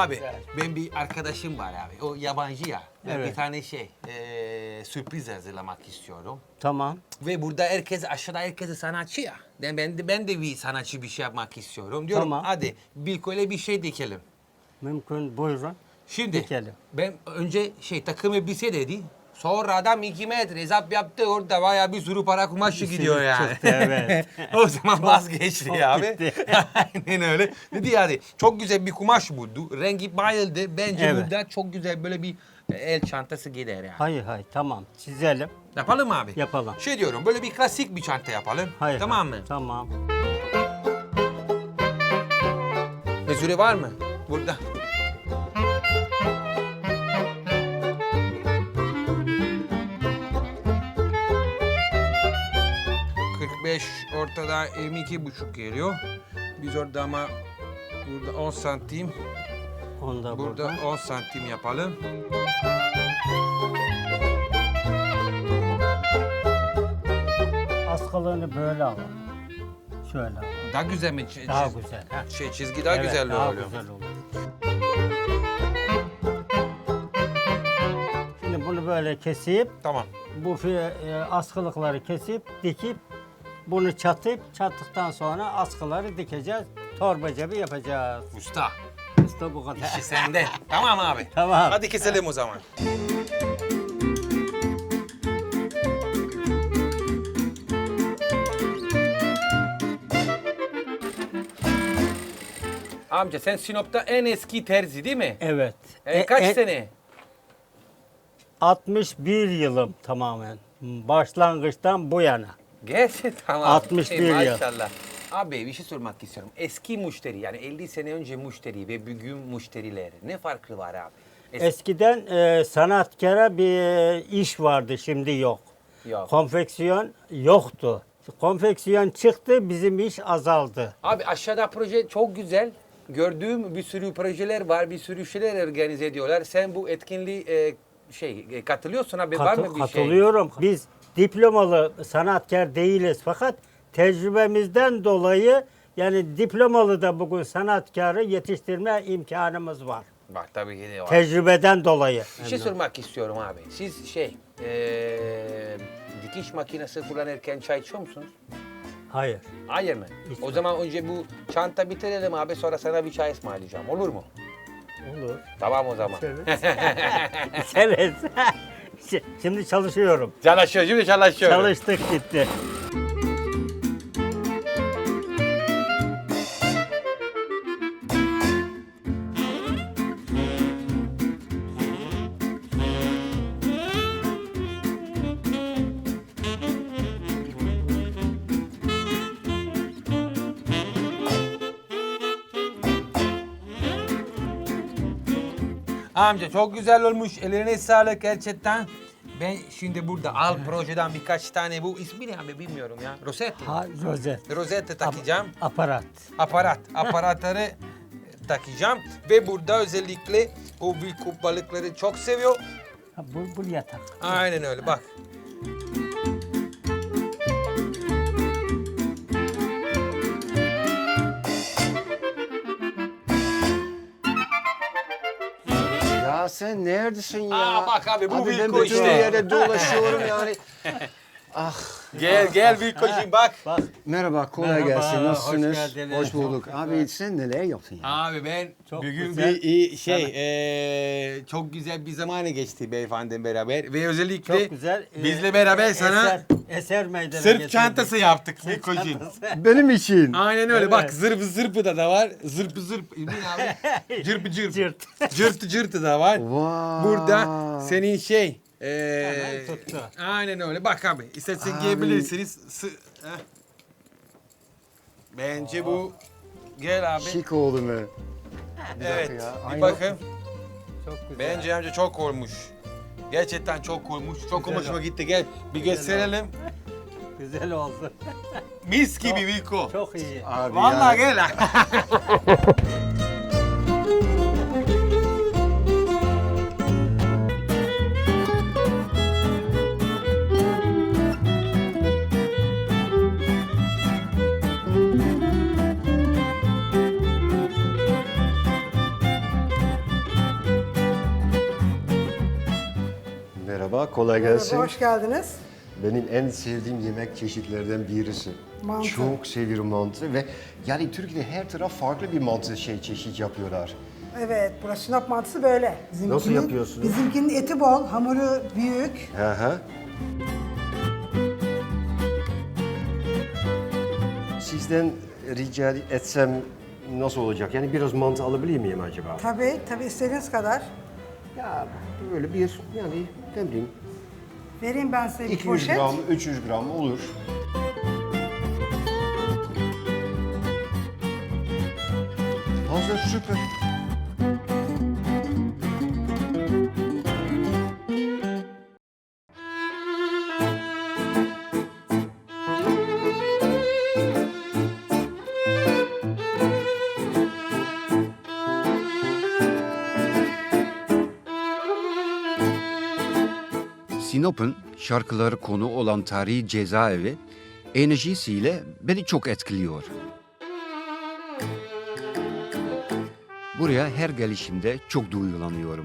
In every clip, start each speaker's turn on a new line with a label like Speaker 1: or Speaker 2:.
Speaker 1: Abi
Speaker 2: güzel.
Speaker 1: ben bir arkadaşım var abi. O yabancı ya. Ben
Speaker 2: Evet.
Speaker 1: bir tane sürpriz hazırlamak istiyorum.
Speaker 2: Tamam.
Speaker 1: Ve burada herkes aşağıda herkes sanatçı ya. Ben de bir sanatçı bir şey yapmak istiyorum. Diyorum
Speaker 2: Tamam.
Speaker 1: hadi Bilko'yla bir şey dikelim.
Speaker 2: Mümkün, buyurun.
Speaker 1: Şimdi
Speaker 2: Dikelim.
Speaker 1: ben önce takım elbise dedi. Sonra adam 2 metre hesap yaptı. Orada bayağı bir sürü para kumaşı gidiyor yani.
Speaker 2: çıktı, evet.
Speaker 1: O zaman vazgeçti
Speaker 2: çok
Speaker 1: abi.
Speaker 2: gitti.
Speaker 1: Aynen öyle. Dedi yani çok güzel bir kumaş buldu. Rengi bayıldı. Bence
Speaker 2: Evet.
Speaker 1: burada çok güzel böyle bir el çantası gider yani.
Speaker 2: Hayır, tamam. Çizelim.
Speaker 1: Yapalım mı abi?
Speaker 2: Yapalım.
Speaker 1: Diyorum böyle bir klasik bir çanta yapalım.
Speaker 2: Hayır.
Speaker 1: Tamam mı?
Speaker 2: Tamam.
Speaker 1: Mezure var mı? Burada. Ortada 22,5 geliyor. Biz orada ama burada 10 santim,
Speaker 2: Onu da
Speaker 1: burada
Speaker 2: burada.
Speaker 1: 10 santim yapalım.
Speaker 2: Askılığını böyle alalım. Şöyle alalım.
Speaker 1: Daha güzel mi?
Speaker 2: Daha güzel. Ha.
Speaker 1: Çizgi daha
Speaker 2: Evet,
Speaker 1: güzel
Speaker 2: daha
Speaker 1: oluyor.
Speaker 2: güzel olur. Şimdi bunu böyle kesip,
Speaker 1: Tamam.
Speaker 2: bu askılıkları kesip, dikip, bunu çattıktan sonra askıları dikeceğiz. Torba cebi yapacağız.
Speaker 1: Usta,
Speaker 2: İşte bu kadar.
Speaker 1: işi sende. Tamam abi.
Speaker 2: Tamam.
Speaker 1: Hadi keselim o zaman. Amca sen Sinop'ta en eski terzi değil mi?
Speaker 2: Evet.
Speaker 1: Kaç sene?
Speaker 2: 61 yılım tamamen. Başlangıçtan bu yana.
Speaker 1: Gerçi tamam.
Speaker 2: 61 yıl.
Speaker 1: Maşallah. Abi bir şey sormak istiyorum. Eski müşteri yani 50 sene önce müşteri ve bugün müşteriler ne farkı var abi?
Speaker 2: Eskiden sanatkara bir iş vardı, şimdi yok.
Speaker 1: Yok.
Speaker 2: Konfeksiyon yoktu. Konfeksiyon çıktı, bizim iş azaldı.
Speaker 1: Abi aşağıda proje çok güzel. Gördüğüm bir sürü projeler var, bir sürü şeyler organize ediyorlar. Sen bu etkinliği katılıyorsun abi, var mı bir şey?
Speaker 2: Katılıyorum. Biz diplomalı sanatkar değiliz fakat tecrübemizden dolayı yani diplomalı da bugün sanatkarı yetiştirme imkanımız var.
Speaker 1: Bak tabii ki de var.
Speaker 2: Tecrübeden dolayı.
Speaker 1: Bir şey sormak istiyorum abi. Siz dikiş makinesi kullanırken çay içiyor musunuz?
Speaker 2: Hayır.
Speaker 1: Hayır mı?
Speaker 2: İçmem.
Speaker 1: O zaman önce bu çanta bitirelim abi, sonra sana bir çay ısmarlayacağım. Olur mu?
Speaker 2: Olur.
Speaker 1: Tamam o zaman.
Speaker 2: Evet. Şimdi çalışıyorum.
Speaker 1: Çalışıyor, şimdi çalışıyorum.
Speaker 2: Çalıştık gitti.
Speaker 1: Amca çok güzel olmuş. Ellerine sağlık gerçekten. Ben şimdi burada al projeden birkaç tane, bu ismi ne abi bilmiyorum ya. Rosette.
Speaker 2: Ha, rozet.
Speaker 1: Rosette takacağım.
Speaker 2: Aparat.
Speaker 1: Aparatları takacağım. Ve burada özellikle o büyük balıkları çok seviyor.
Speaker 2: Ha, bu yatak.
Speaker 1: Aynen öyle bak.
Speaker 3: Ya sen neredesin ya?
Speaker 1: Aa, bak abi, bu
Speaker 3: ben
Speaker 1: Wilco
Speaker 3: bütün
Speaker 1: işte.
Speaker 3: yere dolaşıyorum yani.
Speaker 1: Gel Bilko'cum bak.
Speaker 2: Bak.
Speaker 3: Merhaba, kolay
Speaker 2: Merhaba,
Speaker 3: gelsin.
Speaker 2: hoş
Speaker 3: Nasılsınız?
Speaker 2: geldiniz.
Speaker 3: Hoş bulduk. Abi sen neler yaptın ya?
Speaker 1: Abi ben
Speaker 2: Çok
Speaker 1: bugün
Speaker 2: güzel.
Speaker 1: çok güzel bir zamanı geçti beyefendi beraber ve özellikle
Speaker 2: Çok güzel.
Speaker 1: bizle beraber sana
Speaker 2: eser meydana
Speaker 1: sırt
Speaker 2: getirdik.
Speaker 1: çantası yaptık Bilko'cum.
Speaker 3: Benim için.
Speaker 1: Aynen öyle
Speaker 2: Evet.
Speaker 1: bak, zırpı da var. Zırpı ne abi? Cırpı
Speaker 2: Cırt.
Speaker 1: cırtı da var.
Speaker 3: Vay.
Speaker 1: Burada senin
Speaker 2: Hemen tuttu.
Speaker 1: aynen öyle. Bak abi, istersen
Speaker 3: Abi.
Speaker 1: giyebilirsiniz. Heh. Bence bu gel abi.
Speaker 3: Şık oldu mu?
Speaker 1: Evet.
Speaker 3: ya.
Speaker 1: Bir
Speaker 3: Aynen.
Speaker 1: bakın.
Speaker 2: Çok güzel.
Speaker 1: Bence amca çok olmuş. Gerçekten çok olmuş. Çok
Speaker 2: Güzel
Speaker 1: hoşuma
Speaker 2: oldu.
Speaker 1: gitti. Gel bir gösterelim.
Speaker 2: Güzel oldu.
Speaker 1: Mis gibi Viko.
Speaker 2: Çok iyi.
Speaker 3: Abi
Speaker 1: Vallahi
Speaker 3: yani.
Speaker 1: gel.
Speaker 3: kolay gelsin.
Speaker 4: Hoş geldiniz.
Speaker 3: Benim en sevdiğim yemek çeşitlerinden birisi.
Speaker 4: Mantı.
Speaker 3: Çok seviyorum mantı ve yani Türkiye'de her taraf farklı bir mantı çeşit yapıyorlar.
Speaker 4: Evet, burası Sinop mantısı böyle.
Speaker 3: Nasıl yapıyorsunuz?
Speaker 4: Bizimkinin eti bol, hamuru büyük.
Speaker 3: Hı hı. Sizden rica etsem nasıl olacak? Yani biraz mantı alabilir miyim acaba?
Speaker 4: Tabii istediğiniz kadar.
Speaker 3: Ya böyle bir yani ne bileyim
Speaker 4: Vereyim ben size bir
Speaker 3: 200
Speaker 4: poşet.
Speaker 3: gram, 300 gram olur. Hazır, süper.
Speaker 5: Sinop'un şarkıları konu olan tarihi cezaevi enerjisiyle beni çok etkiliyor. Buraya her gelişimde çok duygulanıyorum.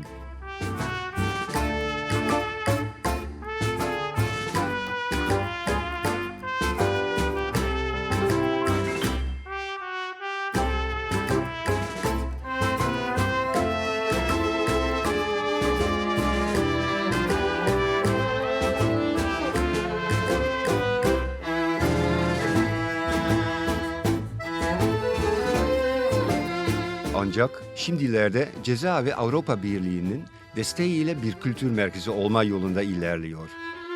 Speaker 5: Ancak şimdilerde Cezaevi Avrupa Birliği'nin desteğiyle bir kültür merkezi olma yolunda ilerliyor.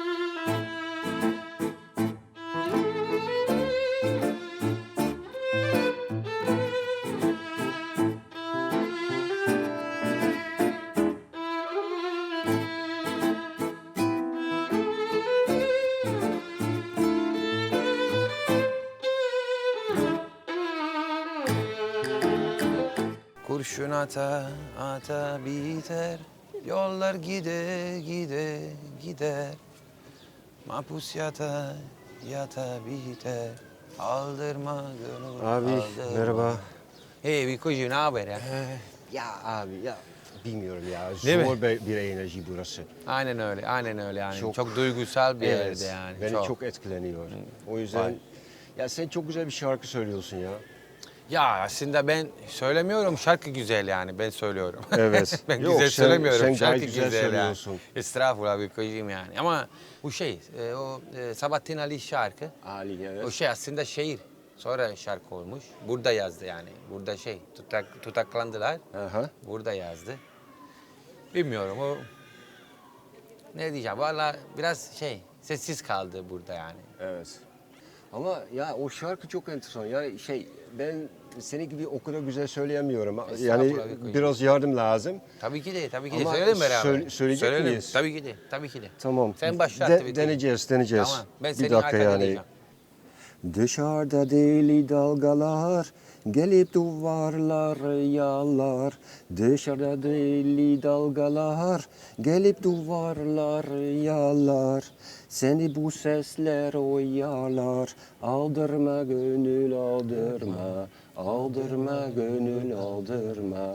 Speaker 1: Kurşun ata ata biter, yollar gide gide gider. Mahpus yata yata biter, aldırma gönül
Speaker 3: Abi
Speaker 1: aldırma.
Speaker 3: merhaba.
Speaker 1: Hey Vikocuğum, ne haber ya?
Speaker 3: Ya abi ya bilmiyorum ya
Speaker 1: Değil mi?
Speaker 3: zor bir enerji burası.
Speaker 1: Aynen öyle yani.
Speaker 3: Çok-
Speaker 1: Çok duygusal bir
Speaker 3: Evet,
Speaker 1: yerde yani.
Speaker 3: beni çok etkileniyor. O yüzden
Speaker 1: Vay.
Speaker 3: ya sen çok güzel bir şarkı söylüyorsun ya.
Speaker 1: Ya aslında ben söylemiyorum, şarkı güzel yani, ben söylüyorum.
Speaker 3: Evet.
Speaker 1: Ben
Speaker 3: Yok,
Speaker 1: güzel
Speaker 3: sen-
Speaker 1: söylemiyorum,
Speaker 3: sen
Speaker 1: şarkı
Speaker 3: gayet güzel
Speaker 1: güzel
Speaker 3: söylüyorsun.
Speaker 1: yani. Estağfurullah Vikocuğum yani. Ama bu şey, Sabahattin Ali şarkı,
Speaker 3: Ali evet.
Speaker 1: o şey aslında şiir. Sonra şarkı olmuş. Burada yazdı yani. Burada tutaklandılar.
Speaker 3: Aha.
Speaker 1: Burada yazdı. Bilmiyorum o... Ne diyeceğim, valla biraz sessiz kaldı burada yani.
Speaker 3: Evet. Ama ya o şarkı çok enteresan. Yani ben seni gibi o kadar güzel söyleyemiyorum. Yani
Speaker 1: Estağfurullah, Vikocuğum.
Speaker 3: biraz yardım lazım.
Speaker 1: Tabii ki de.
Speaker 3: Ama
Speaker 1: Söyleyelim beraber.
Speaker 3: söyleyecek
Speaker 1: Söyleyelim.
Speaker 3: miyiz?
Speaker 1: Tabii ki de.
Speaker 3: Tamam.
Speaker 1: Sen başlat tabii ki.
Speaker 3: Deneyeceğiz.
Speaker 1: Tamam. Ben
Speaker 3: Bir
Speaker 1: senin
Speaker 3: dakika
Speaker 1: arkada
Speaker 3: yani.
Speaker 1: diyeceğim.
Speaker 3: Dışarıda deli dalgalar gelip duvarları yalar. Dışarıda deli dalgalar gelip duvarları yalar. Seni bu sesler oyalar. Aldırma gönül aldırma. Aldırma gönül aldırma.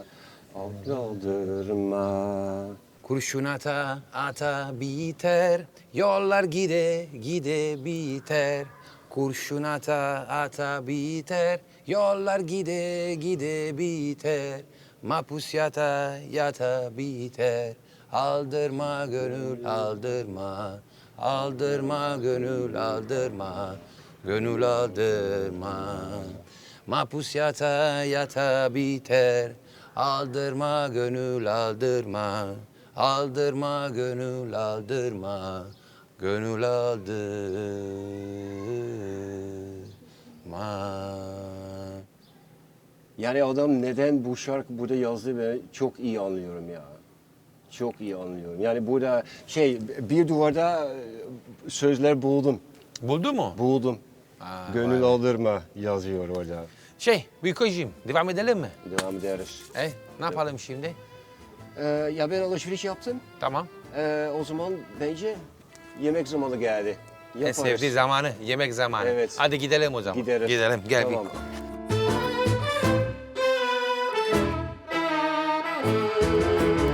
Speaker 3: Aldırma.
Speaker 1: Kurşun ata ata biter, yollar gide gide biter. Kurşun ata ata biter, yollar gide gide biter. Mahpus yata yata biter. Aldırma gönül aldırma, aldırma gönül aldırma, gönül aldırma. Mahpus yata yata biter. Aldırma gönül aldırma, aldırma gönül aldırma, gönül aldırma.
Speaker 3: Yani adam neden bu şarkı burada yazdı ben çok iyi anlıyorum ya. Çok iyi anlıyorum. Yani burada bir duvarda sözler buldum.
Speaker 1: Buldu mu?
Speaker 3: Buldum.
Speaker 1: Aa,
Speaker 3: Gönül
Speaker 1: vay.
Speaker 3: aldırma yazıyor orada.
Speaker 1: Vikocuğum, devam edelim mi?
Speaker 3: Devam ederiz.
Speaker 1: Ne yapalım şimdi?
Speaker 3: Ya ben alışveriş yaptım.
Speaker 1: Tamam.
Speaker 3: O zaman bence yemek zamanı geldi.
Speaker 1: En
Speaker 3: Yaparız.
Speaker 1: sevdiği zamanı, yemek zamanı.
Speaker 3: Evet.
Speaker 1: Hadi gidelim o zaman.
Speaker 3: Gideriz.
Speaker 1: Gidelim, gel
Speaker 3: Tamam.
Speaker 1: Viko.